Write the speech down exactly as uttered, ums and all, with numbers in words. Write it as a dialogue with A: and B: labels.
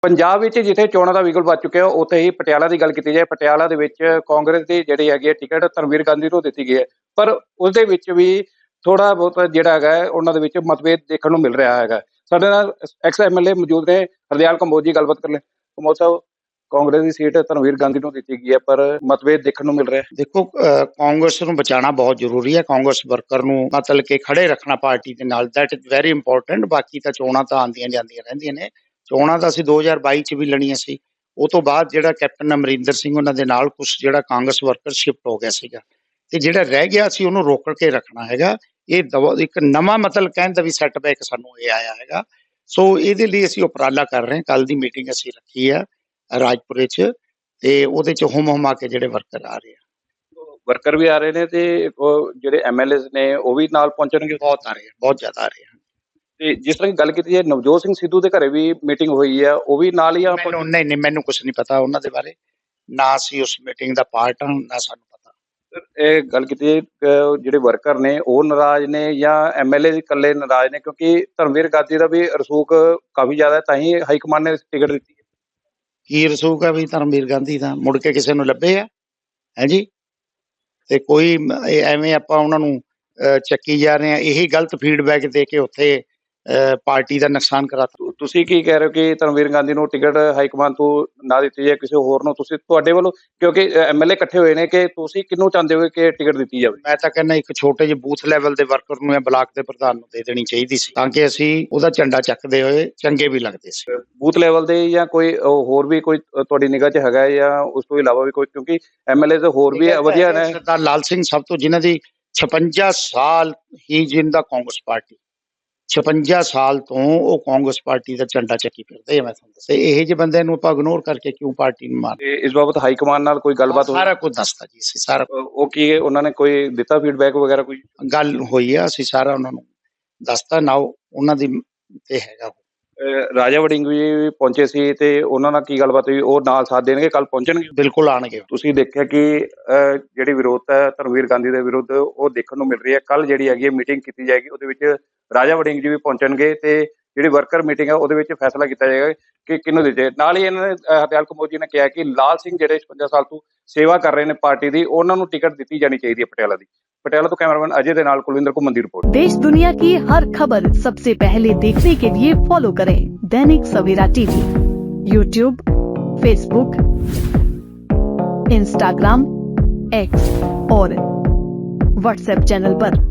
A: ਪੰਜਾਬ ਵਿੱਚ ਜਿੱਥੇ ਚੋਣਾਂ ਦਾ ਵਿਗਲ ਵੱਜ ਚੁੱਕਿਆ ਉੱਥੇ ਹੀ ਪਟਿਆਲਾ ਦੀ ਗੱਲ ਕੀਤੀ ਜਾਏ, ਪਟਿਆਲਾ ਦੇ ਵਿੱਚ ਕਾਂਗਰਸ ਦੀ ਜਿਹੜੀ ਹੈਗੀ ਹੈ ਟਿਕਟ ਧਰਮਵੀਰ ਗਾਂਧੀ ਨੂੰ ਦਿੱਤੀ ਗਈ ਹੈ, ਪਰ ਉਸਦੇ ਵਿੱਚ ਵੀ ਥੋੜਾ ਬਹੁਤ ਜਿਹੜਾ ਹੈਗਾ ਹੈ, ਉਹਨਾਂ ਦੇ ਵਿੱਚ ਮਤਭੇਦ ਦੇਖਣ ਨੂੰ ਮਿਲ ਰਿਹਾ ਹੈਗਾ। ਸਾਡੇ ਨਾਲ ਐਕਸ ਐਮ ਐਲ ਏ ਮੌਜੂਦ ਨੇ, ਹਰਦਿਆਲ ਕੰਬੋਜ ਜੀ, ਗੱਲਬਾਤ ਕਰ ਲੈ। ਕੰਬੋਜ ਸਾਹਿਬ, ਕਾਂਗਰਸ ਦੀ ਸੀਟ ਧਰਮਵੀਰ ਗਾਂਧੀ ਨੂੰ ਦਿੱਤੀ ਗਈ ਹੈ, ਪਰ ਮਤਭੇਦ ਦੇਖਣ ਨੂੰ ਮਿਲ ਰਿਹਾ ਹੈ।
B: ਦੇਖੋ ਅ, ਕਾਂਗਰਸ ਨੂੰ ਬਚਾਉਣਾ ਬਹੁਤ ਜ਼ਰੂਰੀ ਹੈ। ਕਾਂਗਰਸ ਵਰਕਰ ਨੂੰ ਮਤਲਬ ਕਿ ਖੜੇ ਰੱਖਣਾ ਪਾਰਟੀ ਦੇ ਨਾਲ, ਦੈਟ ਇਜ਼ ਵੈਰੀ ਇੰਪੋਰਟੈਂਟ। ਬਾਕੀ ਤਾਂ ਚੋਣਾਂ ਤਾਂ ਆਉਂਦੀਆਂ ਜਾਂਦੀਆਂ ਰਹਿੰਦੀਆਂ ਨੇ। ਚੋਣਾਂ ਤਾਂ ਅਸੀਂ ਦੋ ਹਜ਼ਾਰ ਬਾਈ ਚ ਵੀ ਲੜੀਆਂ ਸੀ। ਉਹ ਤੋਂ ਬਾਅਦ ਜਿਹੜਾ ਕੈਪਟਨ ਅਮਰਿੰਦਰ ਸਿੰਘ ਉਹਨਾਂ ਦੇ ਨਾਲ ਕੁਛ ਜਿਹੜਾ ਕਾਂਗਰਸ ਵਰਕਰ ਸ਼ਿਫਟ ਹੋ ਗਿਆ ਸੀਗਾ, ਤੇ ਜਿਹੜਾ ਰਹਿ ਗਿਆ ਸੀ ਉਹਨੂੰ ਰੋਕ ਕੇ ਰੱਖਣਾ ਹੈਗਾ। ਇਹ ਦਵਾ ਇੱਕ ਨਵਾਂ ਮਤਲਬ ਕਹਿਣ ਦਾ ਵੀ ਸੈਟਬੈਕ ਸਾਨੂੰ ਇਹ ਆਇਆ ਹੈਗਾ। ਸੋ ਇਹਦੇ ਲਈ ਅਸੀਂ ਉਪਰਾਲਾ ਕਰ ਰਹੇ ਹਾਂ। ਕੱਲ ਦੀ ਮੀਟਿੰਗ ਅਸੀਂ ਰੱਖੀ ਆ ਰਾਜਪੁਰੇ ਚ, ਤੇ ਉਹਦੇ ਚ ਹੁਮ ਹੁਮਾ ਕੇ ਜਿਹੜੇ ਵਰਕਰ ਆ ਰਹੇ ਆ,
A: ਵਰਕਰ ਵੀ ਆ ਰਹੇ ਨੇ ਤੇ ਉਹ ਜਿਹੜੇ ਐਮ ਐਲ ਏ ਨੇ ਉਹ ਵੀ ਨਾਲ ਪਹੁੰਚਣਗੇ।
B: ਬਹੁਤ ਆ ਰਹੇ ਆ, ਬਹੁਤ ਜ਼ਿਆਦਾ ਆ ਰਹੇ ਆ।
A: ਤੇ ਜਿਸ ਤਰ੍ਹਾਂ ਗੱਲ ਕੀਤੀ ਜਾਏ, ਨਵਜੋਤ ਸਿੰਘ ਸਿੱਧੂ ਦੇ ਘਰੇ ਵੀ ਮੀਟਿੰਗ ਹੋਈ ਹੈ, ਉਹ ਵੀ ਨਾਲ ਹੀ ਆ।
B: ਮੈਨੂੰ ਨਹੀਂ ਨਹੀਂ ਮੈਨੂੰ ਕੁਝ ਨਹੀਂ ਪਤਾ ਉਹਨਾਂ ਦੇ ਬਾਰੇ, ਨਾ ਅਸੀਂ ਉਸ ਮੀਟਿੰਗ ਦਾ ਪਾਰਟ ਹਾਂ, ਨਾ ਸਾਨੂੰ ਪਤਾ।
A: ਇਹ ਗੱਲ ਕੀਤੀ ਜਾਏ, ਅਹ ਜਿਹੜੇ ਵਰਕਰ ਨੇ ਉਹ ਨਾਰਾਜ਼ ਨੇ ਜਾਂ ਐਮ ਐਲ ਏ ਇਕੱਲੇ ਨਾਰਾਜ਼ ਨੇ, ਕਿਉਂਕਿ ਧਰਮਵੀਰ ਗਾਂਧੀ ਦਾ ਵੀ ਰਸੂਖ ਕਾਫੀ ਜ਼ਿਆਦਾ ਹੈ, ਤਾਂ ਹੀ ਹਾਈ ਕਮਾਂਡ ਨੇ ਟਿਕਟ ਦਿੱਤੀ ਹੈ।
B: ਕੀ ਰਸੂਖ ਹੈ ਵੀ ਧਰਮਵੀਰ ਗਾਂਧੀ ਦਾ ਮੁੜ ਕੇ ਕਿਸੇ ਨੂੰ ਲੱਭੇ ਆ ਹੈ ਜੀ? ਤੇ ਕੋਈ ਮ- ਇਹ ਐਵੇਂ ਆਪਾਂ ਉਹਨਾਂ ਨੂੰ ਅਹ, ਚੱਕੀ ਜਾ ਰਹੇ ਆ। ਇਹੀ ਗਲਤ ਫੀਡਬੈਕ ਦੇ ਕੇ ਉੱਥੇ ਅਹ, ਪਾਰਟੀ ਦਾ ਨੁਕਸਾਨ ਕਰਾਤਾ।
A: ਤੁ- ਤੁਸੀਂ ਕੀ ਕਹਿ ਰਹੇ ਹੋ ਕਿ ਧਰਮਵੀਰ ਗਾਂਧੀ ਨੂੰ ਟਿਕਟ ਹਾਈ ਕਮਾਂਡ ਤੋਂ ਨਾ ਦਿੱਤੀ ਜਾਏ, ਕਿਸੇ ਹੋਰ ਨੂੰ? ਤੁਸੀਂ ਤੁਹਾਡੇ ਵੱਲੋਂ, ਕਿਉਂਕਿ ਐਮ ਐਲ ਏ ਇਕੱਠੇ ਹੋਏ ਨੇ, ਕਿ ਤੁਸੀਂ ਕਿਹਨੂੰ ਚਾਹੁੰਦੇ ਹੋ ਕਿ ਟਿਕਟ ਦਿੱਤੀ ਜਾਵੇ?
B: ਮੈਂ ਤਾਂ ਕਹਿੰਦਾ ਇੱਕ ਛੋਟੇ ਜਿਹੇ ਬੂਥ ਲੈਵਲ ਦੇ ਵਰਕਰ ਨੂੰ ਜਾਂ ਬਲਾਕ ਦੇ ਪ੍ਰਧਾਨ ਨੂੰ ਦੇ ਦੇਣੀ ਚਾਹੀਦੀ ਸੀ, ਤਾਂ ਕਿ ਅਸੀਂ ਉਹਦਾ ਝੰਡਾ ਚੱਕਦੇ ਹੋਏ ਚੰਗੇ ਵੀ ਲੱਗਦੇ ਸੀ।
A: ਬੂਥ ਲੈਵਲ ਦੇ ਜਾਂ ਕੋਈ ਉਹ ਹੋਰ ਵੀ ਕੋਈ ਤੁਹਾਡੀ ਨਿਗਾਹ 'ਚ ਹੈਗਾ ਹੈ, ਜਾਂ ਉਸ ਤੋਂ ਇਲਾਵਾ ਵੀ ਕੋਈ? ਕਿਉਂਕਿ ਐਮ ਐਲ ਏ ਤੇ ਹੋਰ ਵੀ ਵਧੀਆ ਨੇ।
B: ਸਰਦਾਰ ਲਾਲ ਸਿੰਘ ਸਭ ਤੋਂ, ਜਿਨ੍ਹਾਂ ਦੀ ਛਪੰਜਾ ਸਾਲ ਹੀ ਜਿੰਦਾ ਕਾਂਗਰਸ ਪਾਰਟੀ, ਛਪੰਜਾ ਸਾਲ ਤੋਂ ਉਹ ਕਾਂਗਰਸ ਪਾਰਟੀ ਦਾ ਝੰਡਾ ਚੱਕੀ ਫਿਰਦੇ ਆ। ਮੈਂ ਤੁਹਾਨੂੰ ਦੱਸਿਆ, ਇਹੋ ਜਿਹੇ ਬੰਦਿਆਂ ਨੂੰ ਆਪਾਂ ਇਗਨੋਰ ਕਰਕੇ ਕਿਉਂ ਪਾਰਟੀ ਨੂੰ ਮਾਰ?
A: ਤੇ ਇਸ ਬਾਬਤ ਹਾਈ ਕਮਾਂਡ ਨਾਲ ਕੋਈ ਗੱਲਬਾਤ ਹੋਈ?
B: ਸਾਰਾ ਕੁਝ ਦੱਸਤਾ ਜੀ ਅਸੀਂ, ਸਾਰਾ
A: ਅ, ਉਹ ਕੀ ਉਹਨਾਂ ਨੇ ਕੋਈ ਦਿੱਤਾ ਫੀਡਬੈਕ ਵਗੈਰਾ ਕੋਈ?
B: ਗੱਲ ਹੋਈ ਆ, ਅਸੀਂ ਸਾਰਾ ਉਹਨਾਂ ਨੂੰ ਦੱਸਤਾ ਨਾ। ਉਹ ਉਹਨਾਂ ਦੀ ਤੇ ਹੈਗਾ।
A: ਅ, ਰਾਜਾ ਵੜਿੰਗ ਵੀ ਪਹੁੰਚੇ ਸੀ, ਤੇ ਉਹਨਾਂ ਨਾਲ ਕੀ ਗੱਲਬਾਤ ਹੋਈ? ਉਹ ਨਾਲ ਸਾਥ ਦੇਣਗੇ, ਕੱਲ ਪਹੁੰਚਣਗੇ?
B: ਬਿਲਕੁਲ ਆਣਗੇ।
A: ਤੁਸੀਂ ਦੇਖਿਆ ਕਿ ਅ, ਜਿਹੜੀ ਵਿਰੋਧਤਾ ਹੈ ਧਰਮਵੀਰ ਗਾਂਧੀ ਦੇ ਵਿਰੁੱਧ, ਉਹ ਦੇਖਣ ਨੂੰ ਮਿਲ ਰਹੀ ਹੈ। ਕੱਲ ਜਿਹੜੀ ਹੈਗੀ ਹੈ ਮੀਟਿੰਗ ਕੀਤੀ ਜਾਏਗੀ, ਉਹਦੇ ਵਿੱਚ ਰਾਜਾ ਵੜਿੰਗ ਜੀ ਵੀ ਪਹੁੰਚਣਗੇ, ਤੇ ਜਿਹੜੀ ਵਰਕਰ ਮੀਟਿੰਗ ਹੈ ਉਹਦੇ ਵਿੱਚ ਫੈਸਲਾ ਕੀਤਾ ਜਾਏਗਾ ਕਿ ਕਿਹਨੂੰ ਦਿੱਤੇ। ਨਾਲ ਹੀ ਇਹਨਾਂ ਨੇ ਅ, ਹਰਦਿਆਲ ਕੰਬੋਜ ਜੀ ਨੇ ਕਿਹਾ ਕਿ ਲਾਲ ਸਿੰਘ ਜਿਹੜੇ ਛਪੰਜਾ ਸਾਲ ਤੋਂ ਸੇਵਾ ਕਰ ਰਹੇ ਨੇ ਪਾਰਟੀ ਦੀ, ਉਹਨਾਂ ਨੂੰ ਟਿਕਟ ਦਿੱਤੀ ਜਾਣੀ ਚਾਹੀਦੀ ਹੈ ਪਟਿਆਲਾ ਦੀ। ਪਟਿयाला तो कैमरामैन अजय के नाल कुलविंदर घुमन की रिपोर्ट।
C: देश दुनिया की हर खबर सबसे पहले देखने के लिए फॉलो करें Dainik Savera TV, YouTube, Facebook, Instagram, X और व्हाट्सएप चैनल पर।